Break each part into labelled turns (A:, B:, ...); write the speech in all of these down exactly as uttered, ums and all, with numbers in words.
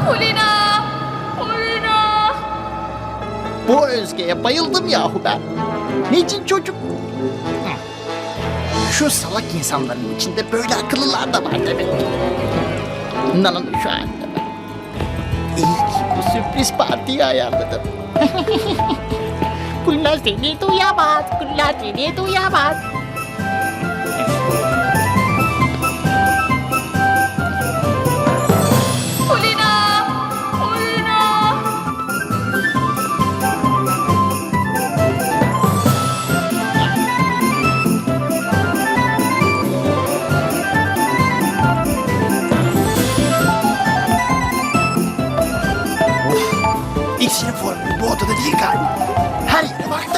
A: Kulina! Kulina!
B: Bu Özge'ye bayıldım yahu ben. Necin çocuk? Hı. Şu salak insanların içinde böyle akıllılar da var demek. Nana'nın şu anda ben. İyi ki bu sürpriz partiyi ayarladım.
C: Kulina seni duyamaz. Kulina seni duyamaz.
A: Kulina! Kulina!
B: İksinin formülü bu odada değil galiba. Her yere baktım.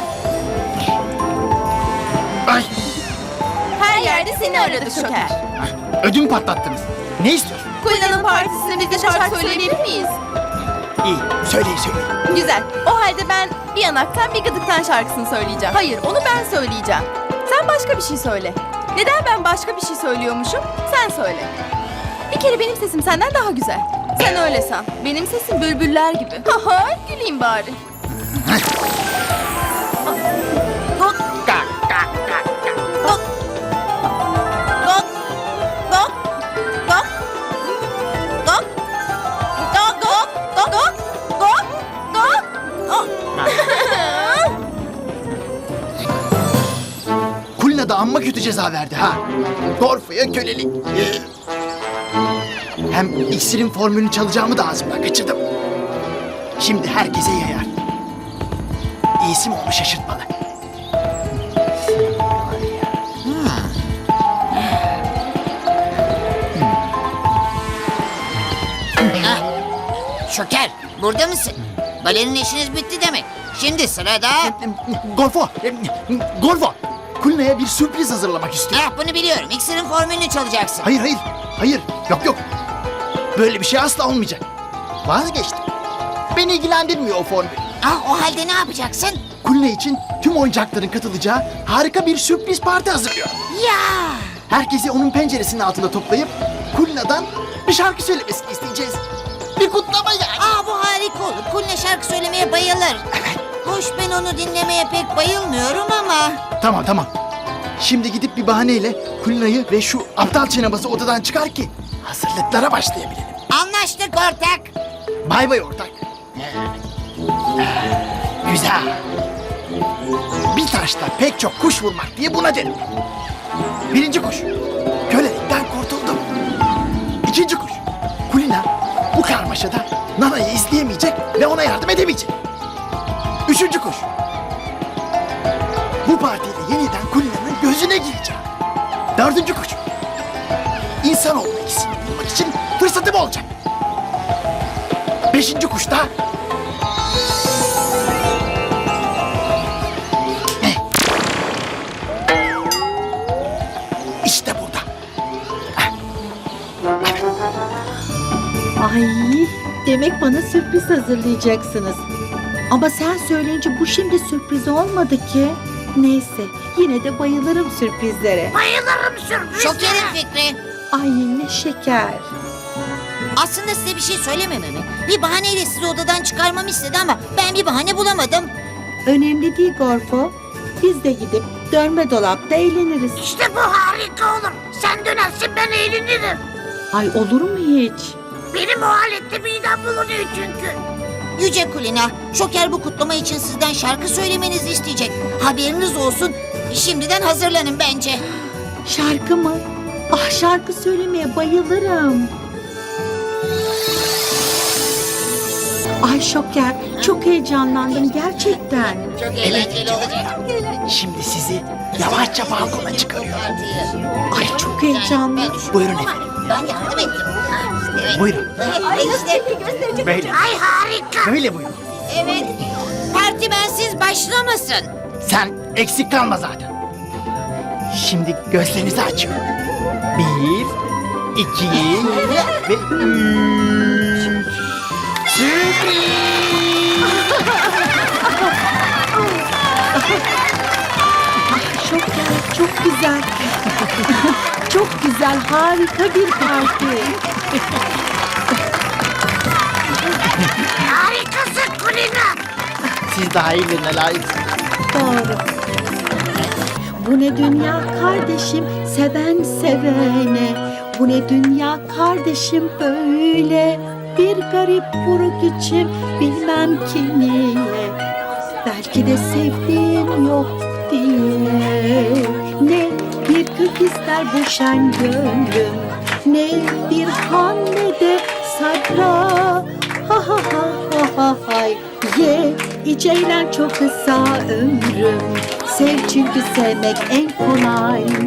B: Ay,
D: Her yerde seni aradık Şoker.
B: ödüm patlattınız. Ne istiyorsun?
D: Kulina'nın partisinde biz de şarkı söyleyebilir miyiz?
B: İyi, söyleyin söyleyin.
D: Güzel. O halde ben bir yanaktan bir gıdıktan şarkısını söyleyeceğim. Hayır, onu ben söyleyeceğim. Sen başka bir şey söyle. Neden ben başka bir şey söylüyormuşum? Sen söyle. Bir kere benim sesim senden daha güzel. Sen öyle san. Benim sesim bülbüller gibi. Haha, güleyim bari. Gok.
B: Kalk, kalk, kalk, kalk.
D: Gok. Gok. Gok. Gok. Gok. Gok. Gok. Gok. Gok. Gok. Gok.
B: Kulina da amma kötü ceza verdi ha. Gorfo'ya kölelik. Ee, Hem iksirin formülünü çalacağımı da ağzımdan kaçırdım. Şimdi herkese yayar. İyisi mi onu şaşırtmalı.
E: Şoker, burada mısın? Balerin işiniz bitti demek. Şimdi sırada...
B: Gorfo, e, Gorfo. Kulina'ya bir sürpriz hazırlamak istiyor.
E: Ah, bunu biliyorum. İksirin formülünü çalacaksın.
B: Hayır, hayır, hayır. Yok, yok. Böyle bir şey asla olmayacak. Vazgeçtim. Beni ilgilendirmiyor o formül.
E: Ah, o halde ne yapacaksın?
B: Kulina için tüm oyuncakların katılacağı harika bir sürpriz parti hazırlıyor.
E: Ya!
B: Herkesi onun penceresinin altında toplayıp Kulina'dan bir şarkı söylemesini isteyeceğiz. Bir kutlama yani.
E: Ah, bu harika olur. Kulina şarkı söylemeye bayılır.
B: Evet.
E: Hoş, ben onu dinlemeye pek bayılmıyorum ama...
B: Tamam, tamam. Şimdi gidip bir bahaneyle Kulina'yı ve şu aptal çenebazı odadan çıkar ki hazırlıklara başlayabilelim.
E: Anlaştık ortak.
B: Bay bay ortak. Güzel. Bir taşla pek çok kuş vurmak diye buna derim. Birinci kuş. Kölelikten kurtuldum. İkinci kuş. Kulina bu karmaşada Nana'yı izleyemeyecek ve ona yardım edemeyecek. Üçüncü kuş. Bu partiyle yeniden Kulina'nın gözüne gireceğim. Dördüncü kuş. İnsanoğlu ikisini bulmak için fırsatım olacak. Beşinci kuşta... İşte burada.
C: Ay, demek bana sürpriz hazırlayacaksınız. Ama sen söyleyince bu şimdi sürpriz olmadı ki. Neyse, yine de bayılırım sürprizlere.
E: Şoker'in fikri.
C: Ay ne şeker.
E: Aslında size bir şey söylemememi, bir bahaneyle sizi odadan çıkarmamı istedi ama ben bir bahane bulamadım.
C: Önemli değil Gorfo. Biz de gidip dönme dolapta eğleniriz.
E: İşte bu harika olur. Sen dönersin, ben eğlenirim.
C: Ay olur mu hiç?
E: Benim o alette midem bulunuyor çünkü. Yüce Kulina, Şoker bu kutlama için sizden şarkı söylemenizi isteyecek. Haberiniz olsun. Şimdiden hazırlanın bence.
C: Şarkı mı? Ah, şarkı söylemeye bayılırım. Ay Şoker, çok heyecanlandım gerçekten.
E: Çok eğlenceli olacak.
B: Şimdi sizi yavaşça balkona çıkarıyorum.
C: Ay çok heyecanlı.
B: Buyurun efendim.
E: Ben yardım ettim. Evet.
B: Buyurun.
E: Ay işte.
B: Böyle.
E: Ay harika.
B: Böyle buyurun.
E: Evet. Parti bensiz başlamasın.
B: Sen eksik kalma zaten. Şimdi gözlerinizi açın. Bir, iki ve üç. Sürpriz!
C: Şoker, çok güzel. Çok güzel, harika bir parti.
E: Harikasın Kulina.
B: Siz daha iyilerine layıksınız.
C: Doğru. Bu ne dünya kardeşim, seven sevene. Bu ne dünya kardeşim böyle. Bir garip buruk içim, bilmem ki niye. Belki de sevdiğim yok diye. Ne bir kök ister bu şen gönlüm, ne bir han ne de sabra. Ha ha ha ha ha hay. Ye içeylen çok kısa ömrüm. Sev çünkü sevmek en kolay.